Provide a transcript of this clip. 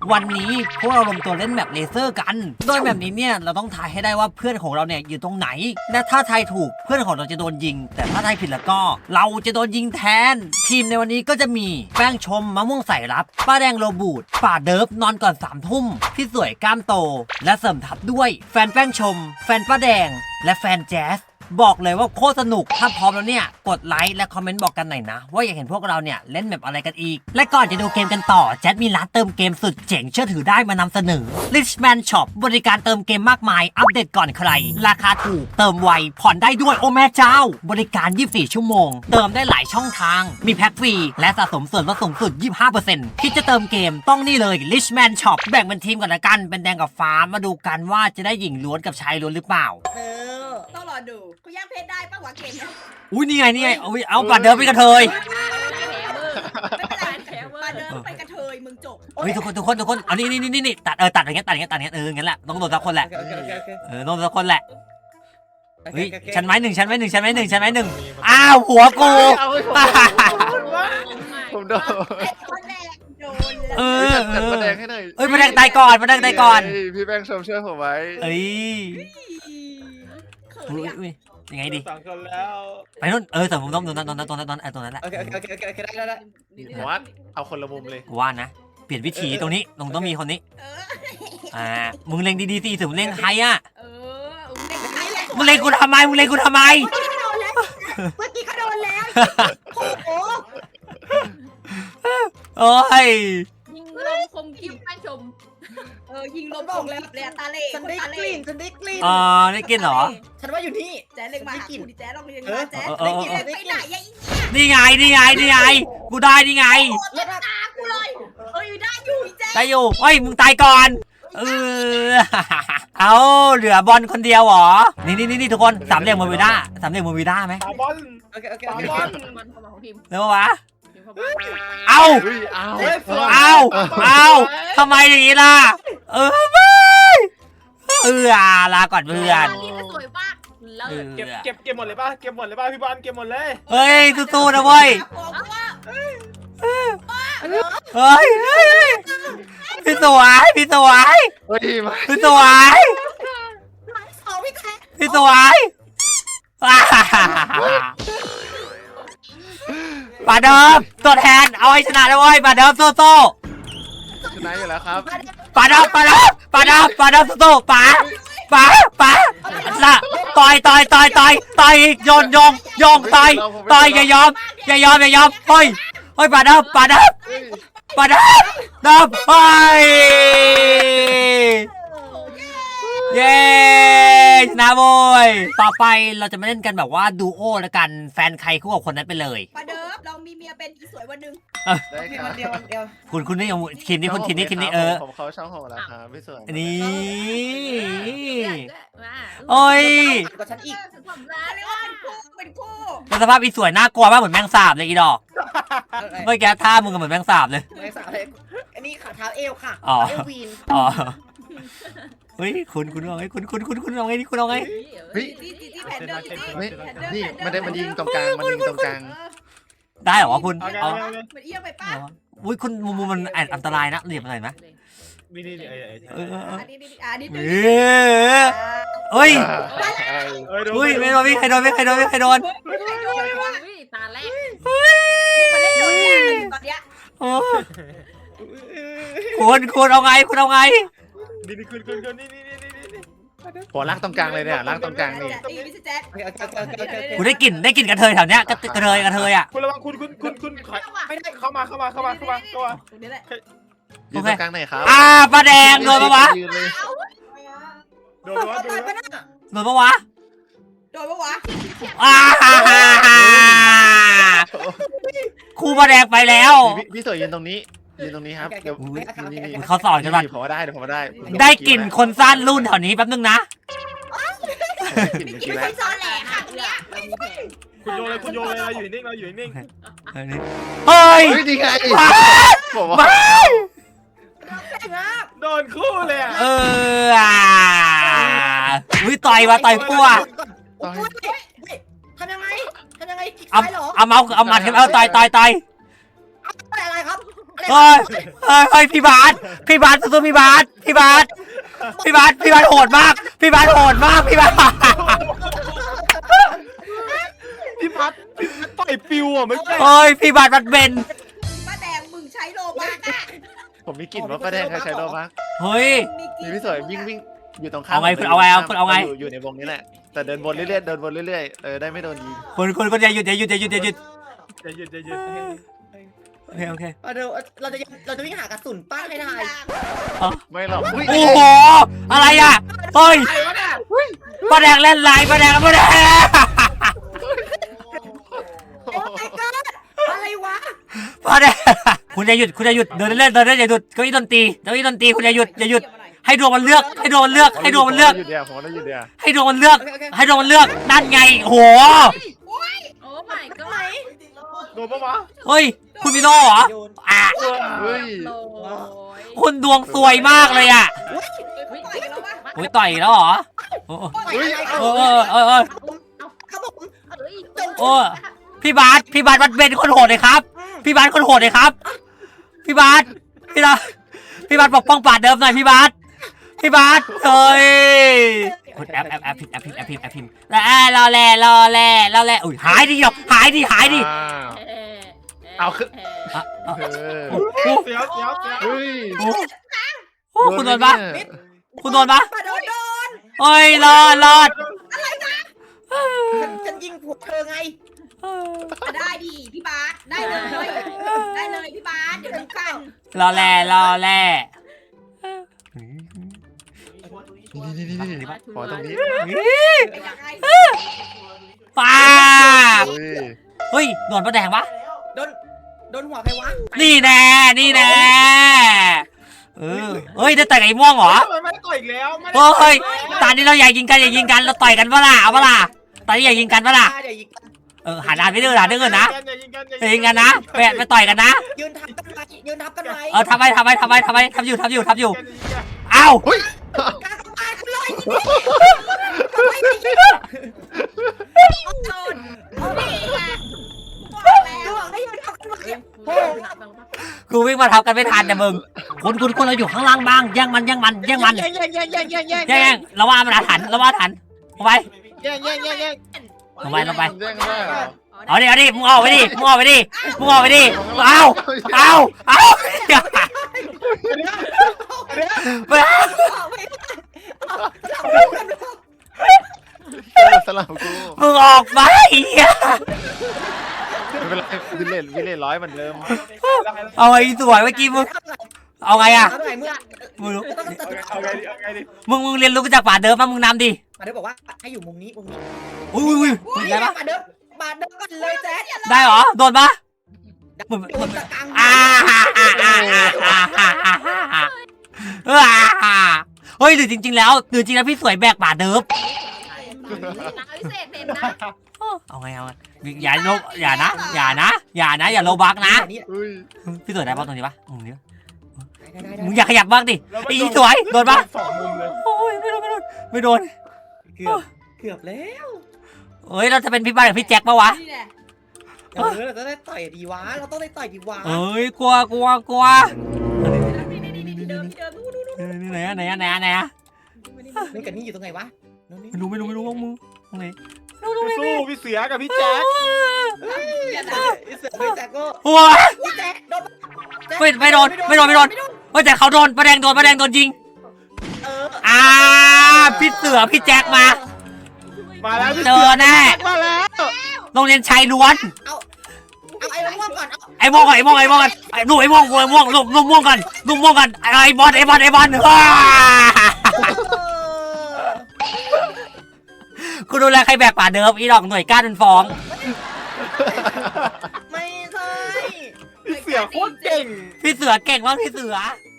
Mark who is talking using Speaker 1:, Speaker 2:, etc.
Speaker 1: วันนี้พวกเราลงตัวเล่นแมปเลเซอร์กันโดยแบบนี้เนี่ยเราต้องทายให้ได้ว่าเพื่อนของเราเนี่ยอยู่ตรงไหนและถ้าทายถูกเพื่อนของเราจะโดนยิงแต่ถ้าทายผิดแล้วก็เราจะโดนยิงแทนทีมในวันนี้ก็จะมีแป้งชมมะม่วงใส่รับป้าแดงโรบูดป่าเดิฟนอนก่อน3 ทุ่มพี่สวยกล้ามโตและเสริมทับด้วยแฟนแป้งชมแฟนป้าแดงและแฟนแจ๊สบอกเลยว่าโคตรสนุกถ้าพร้อมแล้วเนี่ยกดไลค์และคอมเมนต์บอกกันหน่อยนะว่าอยากเห็นพวกเราเนี่ยเล่นแบบอะไรกันอีกและก่อนจะดูเกมกันต่อแจ๊ดมีร้านเติมเกมสุดเจ๋งเชื่อถือได้มานำเสนอ Richman Shop บริการเติมเกมมากมายอัปเดตก่อนใครราคาถูกเติมไวผ่อนได้ด้วยโอ้แม่เจ้าบริการ24 ชั่วโมงเติมได้หลายช่องทางมีแพ็คฟรีและสะสมส่วนลดสูงสุด 25% คิดจะเติมเกมต้องนี่เลย Richman Shop แบ่งเป็นทีมกันละกันเป็นแดงกับฟ้ามาดูกันว่าจะได้หญิงล้วนกับชายล้วนหรือเปล่า
Speaker 2: ต้องรอดูกูย่างเพชรได้ปะวะเกมเนี้ย
Speaker 1: อุ้ยนี่ไงเอาบัตรเดิมไปกระเทย
Speaker 2: ไม่เป็นไรมาเดินไปกระเทยมึงจบ
Speaker 1: เฮ้ยทุกคนเอานี่ตัดอย่างเงี้ยงั้นแหละต้องโดนสักคนแหละต้องโดนสักคนแหละเฮ้ยชั้นไม้หนึ่งอ้าวหัวกู
Speaker 3: ผมโดน
Speaker 2: คนแรกโดน
Speaker 3: จัดประแดงให้หน่อย
Speaker 1: ประแดงตายก่อน
Speaker 3: พี่แบงค์ชมช่วยผมไว้
Speaker 1: เอ้ย
Speaker 2: เขินอ่ะ
Speaker 1: ยังไงดี
Speaker 4: 2 คนแล้ว
Speaker 1: ไปนู่นแต่ผมต้องตรงนั้นแหละ
Speaker 4: โอเคได้
Speaker 3: ผมว่าเอาคนละมุมเลย
Speaker 1: กูว่านะเปลี่ยนวิธีตรงนี้ต้องมีคนนี้มึงเล็งดีๆสิถึงเล็งใครอ่ะมึงเล็งกูทำไม
Speaker 2: เมื่อกี้ก็โดนแล้วโอ้โห
Speaker 1: โอ้ย
Speaker 5: ยิงลมคมกิ้วแป้งชม
Speaker 2: ยิงลมบอกแล้วเลยตาเล่
Speaker 6: ฉันได้กลิ่นฉันได้กลิ่น
Speaker 1: ได้กินเหรอ
Speaker 6: ฉันว่าอยู่นี่
Speaker 2: แจ๊เล็งมาหากูดิแจ๊ลองเรียนมาแจ๊
Speaker 6: ได้กลิ่นได้
Speaker 2: ไป
Speaker 6: ก
Speaker 2: ไหน
Speaker 6: ลิ่น
Speaker 2: ยัง
Speaker 1: นี่ไงกูได้นี่ไง
Speaker 2: แล้วตากูเลยได้อยู่แจ๊
Speaker 1: ได้อยู่เฮ้ยมึงตายก่อนเอาเหลือบอลคนเดียวเหรอนี่ทุกคนสามเหลี่ยมโมวิด้าไหม
Speaker 4: ตาบอล
Speaker 6: โอเค
Speaker 4: ตาบอล
Speaker 5: มันเข้ามาของทีม
Speaker 1: เร็ววะ
Speaker 5: ทีมเข้ามา
Speaker 1: เอา
Speaker 3: เอา
Speaker 1: ทำไมอย่างนี้ล่ะไม่ลาก่อนเพื่อน
Speaker 5: นี่ก็สวยมากเลิศ
Speaker 4: เก็บหมดเลยป่ะพี่บอลเก็บหมดเลย
Speaker 1: เฮ้ยสู้ๆนะเว้ยเฮ้ยพี่สวย
Speaker 3: เฮ้ยมา
Speaker 1: พี่สวย
Speaker 2: เอาพี่แจ๊
Speaker 1: พี่สวยป่าเดิมตัวแทนเอาให้ชนะเลยเว้ยป่าเดิมสู้
Speaker 3: ชนะอยู่แล้วครับ
Speaker 1: ป่าเดิมสู้ป่าละต่อยโยงต่อยอย่ายอมเฮ้ยป่าเดิมเฮ้ยเย้ชนะโว้ยต่อไปเราจะมาเล่นกันแบบว่าดูโอแล้วกันแฟนใครคู่กับคนนั้นไปเลย
Speaker 2: มาเดิมเรามีเมียเป็นอีสวยวันหนึ่ง
Speaker 3: ได้ค
Speaker 6: วั
Speaker 3: รับ
Speaker 6: นเดียว
Speaker 1: คุณนี่คินนี่คุณคินนี่
Speaker 3: ผมเขาช่องผมแล้วครับพี่สวย
Speaker 1: นี่
Speaker 5: มา
Speaker 1: โอ้ย
Speaker 6: กว่าฉันอีก
Speaker 5: ผมรั
Speaker 2: เรียกว่า
Speaker 5: ก
Speaker 2: เป็นคู่
Speaker 1: เป็นสภาพอีสวยน่ากลัวมากเหมือนแมงสาบเลยอีดอกเมื่อกี้ท่ามึงก็เหมือนแมงสาบเลย
Speaker 6: ไม่สาวเลยอันนี้ขาเท้าเอวค่ะ
Speaker 1: อ๋อ
Speaker 6: เอววีน
Speaker 1: อ๋อเฮ้ยคุณเอาไงคุณเอาไงนี่คุณเอาไง
Speaker 3: เฮ้ย
Speaker 2: ที่แผ่นเดิม
Speaker 3: นี่มันยิงตรงกลาง
Speaker 1: ได้เหรอคุณ
Speaker 4: เอาไง
Speaker 1: เอา
Speaker 2: มันเอี้ยไปป้า
Speaker 1: อุ้ยคุณมุมมันอันตรายนะเหลี่ยมหน่อยไหม
Speaker 4: นี่
Speaker 2: อันนี้
Speaker 1: เฮ้ย
Speaker 4: ดู
Speaker 1: อุ้ยไม่โดนใครโดน
Speaker 5: ตาแรก
Speaker 2: มันเล่นโดนยางตอนเนี้ย
Speaker 1: คุณเอาไง
Speaker 4: นี่คุณนี่
Speaker 3: หัวลากตรงกลางเลยเนี่ยลากตรงกลางนี่
Speaker 2: วิสแจ๊ด
Speaker 1: กูได้กลิ่นกระเทยแถวเนี้ยกระเทยอ่ะ
Speaker 4: คุณระวังคุณไม่ได้เข้ามา
Speaker 2: นี่แหละ
Speaker 3: ยืนตรงกลางไหนครับ
Speaker 1: ปลาแดงโดนปะวะ
Speaker 4: โดน
Speaker 1: โดนปะวะ
Speaker 2: โดนปะวะ
Speaker 1: คู่ปลาแดงไปแล้ว
Speaker 3: พี่สวยยืนตรงนี้ครับเดี๋ยวนี่
Speaker 1: เขาสอนกันว่า
Speaker 3: ผมว่าได้
Speaker 1: ได้กลิ่นคนสร้างรุ่นแถวนี้แป๊บนึงนะ
Speaker 3: กลิ่นเมื่อ
Speaker 2: กิ
Speaker 3: กี้
Speaker 2: น
Speaker 3: แล้ว
Speaker 2: คนซ้อนแหละค่ะตรงเนี้ย
Speaker 4: คุณโยนเลยเราอยู่นิ่ง
Speaker 1: เฮ้ย
Speaker 3: เฮ้ยดีไงผมว่า
Speaker 4: โดนคู่เลยอ่ะ
Speaker 1: อุ้ยต่อยปัว
Speaker 6: ทำยังไงคลิก
Speaker 1: เอา
Speaker 6: ซ้ายเหรอ
Speaker 1: เอาเมาส์เอาหมัดขึ้นเอาต่อย
Speaker 6: อะไรครับ
Speaker 1: เฮ้ยเฮ้ยพี่บาสสู้ๆพี่บาสโหดมากพี่บาสโหดมากพี่บาส
Speaker 4: พี่พัดต่อยปิวอ่ะไม่ใช่
Speaker 1: เฮ้ยพี่บาสมันเบน
Speaker 2: ป้าแดงมึงใช้โลบักอะ
Speaker 3: ผมมีกลิ่นว่าป้าแดงเคยใช้โดมัก
Speaker 1: เฮ้ย
Speaker 3: มีพี่สวยวิ่งอยู่ตรงข้าม
Speaker 1: เอาไงคุณเอาไง
Speaker 3: อยู่ในวงนี้แหละแต่เดินวนเรื่อยๆได้ไม่โดนยิง
Speaker 1: คนอย่าหยุด
Speaker 4: จะหยุด
Speaker 1: โอเค
Speaker 6: เราจะวิ่งหากระสุนป้าให้ได้
Speaker 3: ไม่หรอกอุ้ย
Speaker 1: โอ้โหอะไรอ่ะเฮ้ย
Speaker 4: ใครวะเนี่ย
Speaker 1: ป้าแดงเล่นไลน์ป้าแดง
Speaker 6: โอ้ my god อะไรวะ
Speaker 1: ป้าแดงคุณอย่าหยุดเดินเล่นอย่าหยุดเก้าอี้ดนตรีคุณอย่าหยุดให้ดวงมันเลือกให้ดวงมันเลือก
Speaker 3: ผมอยู่เดียว
Speaker 1: ให้ดวงมันเลือกนั่นไงโอ้โห
Speaker 5: โอ้ my god
Speaker 4: โดนปะวะ
Speaker 1: เฮ้ยคุณพี่โน่เหรออ่ะ
Speaker 3: เฮ้ย
Speaker 5: โอ้ย
Speaker 1: คุณดวงซวยมากเลยอ่ะ
Speaker 2: ต่อยกันแล้ววะ
Speaker 1: โอ้ยต่อยแล้วเหรอโอ้
Speaker 6: เฮ้ย ครับผม
Speaker 5: เอ้ย
Speaker 1: โอ้พี่บาสมันเป็นคนโหดเลยครับ พี่บาสคนโหดเลยครับ พี่บาสปกป้องป่าเดิมหน่อยพี่บาสเฮ้ยคุณแอปพิมพ์แล้วรอแล่อุ้ยหายดิหายดิ
Speaker 3: เอาขึ้น
Speaker 4: เสียว
Speaker 3: เฮ้ย
Speaker 1: โอ้คุณโดนปะ
Speaker 6: ป้าโดน
Speaker 1: โอ้ยรอด
Speaker 6: ฉันยิงพวกเธอไง
Speaker 2: ได้ดีพี่บาสได้เลยพี่บาสเดี๋ยวดูกัน
Speaker 1: รอแล่
Speaker 3: นี่ขอตรงนี้
Speaker 2: เป็นยังไง
Speaker 1: ป้า
Speaker 3: เฮ้ย
Speaker 1: เฮ้ยโดนป้าแดงปะ
Speaker 6: โดนหัวใครวะ
Speaker 1: นี่แน่เฮ้ยได้ต่อยกับไอ้ม่วงเหรอ
Speaker 4: ทำไมไม่ได้ต่อยอีกแล้วไม่ได้
Speaker 1: เฮ้ยตอนนี้เราอยากยิงกันเราต่อยกันปะล่ะเอาปะล่ะตอนนี้อยากยิงกันปะล่ะ
Speaker 6: เดี๋ยวยิง
Speaker 1: หันหน้าไปดื้อนะ
Speaker 4: อย่ายิงกัน
Speaker 1: ไปยิงกันนะไปต่อยกันนะ
Speaker 6: ยืนทับกันไหมยืนทับกันไหม
Speaker 1: ทำไมทำอยู่เอ้า
Speaker 3: เฮ้ย
Speaker 6: ตายคุณลอย
Speaker 2: โดนนี่ไงบอกแล้ว
Speaker 6: ระหว่างได้ยืนทับกันไหม
Speaker 1: กูวิ่งมาทับกันไม่ทันแต่มึงคุณเราอยู่ข้างล่างบ้างแย่งมันแย่งเราว่ามันทันเอาไป
Speaker 4: แย่ง
Speaker 1: ลงไป
Speaker 3: แย่งได้เหรอ
Speaker 1: เอาดิมึงออกไปดิเอา
Speaker 3: สลับกู
Speaker 1: มึงออกไป
Speaker 3: ไม่เป็นไรวิเลน100เหมือนเดิม
Speaker 1: เอาไอ้สวยเมื่อกี้มึงเอาไงอ่ะ
Speaker 6: เอาไหนเมื่อ
Speaker 1: มึงรู้
Speaker 4: เอาไงดิ
Speaker 1: มึงเรียนรู้จากป่าเดิมมามึงนำดิ
Speaker 6: มาเดี๋ยวบอกว่าให้อยู่มุมนี้
Speaker 1: อุ้ยได้ปะ
Speaker 6: มาเดินกันเลยแจ๊ด
Speaker 1: ได้เหรอโดนปะ
Speaker 6: โดนตะกัง
Speaker 1: เฮ้ยหรือจริงๆแล้วพี่สวยแบกป่าเดิม
Speaker 5: นาวิเศษเด่นนะ
Speaker 1: เอาไงอย่าโลบักนะ
Speaker 3: เฮ้ย
Speaker 1: พี่สวยได้ปะตรงนี้ปะมึงอยากขยับบ้างดิไอ้สวยโดนปะ
Speaker 4: สองมุมเลย
Speaker 1: โอ้ยไม่โดน
Speaker 6: เกือบแล้ว
Speaker 1: เฮ้ยเราจะเป็นพี่บ้านหรือพี่แจ็คปะวะ
Speaker 2: นี่แหละ
Speaker 6: เราต้องได้ต่อยดีวะเราต้องได้ต่อยดีวะ
Speaker 1: เอ้ยกลัว
Speaker 2: นี่เดิมนู่น
Speaker 1: ไหนอะ
Speaker 6: นี่กับนี่อยู่ตรงไหนวะ
Speaker 1: ไม่รู้ว่ามึงตรงไหน
Speaker 4: สู้พี่เสือกับพี่แจ๊ค
Speaker 6: เสือไม่แจ็คก็
Speaker 1: หัว
Speaker 6: พี่แจ็คโดน
Speaker 1: ไม่โดนแต่เขาโดนประแดงโดนยิงพี่เสือพี่แจ็คมา
Speaker 4: มาแล้ว
Speaker 1: เจอแน่
Speaker 4: มาแล้ว
Speaker 1: โรงเรียนชายล้วน
Speaker 6: เอาไอ้ม่วงก่อน
Speaker 1: ไอ้ม่วงก่อนลูกม่วงก่อนลูกม่วงก่อนไอ้บอลกูดูแลใครแบกป่าเดิมอีดอกหน่วยก้านเป็นฟอง
Speaker 6: ไม่ใช่
Speaker 4: พี่เสือโคตรเก่ง
Speaker 1: พี่เสือเก่งมากพี่เสือ
Speaker 6: เ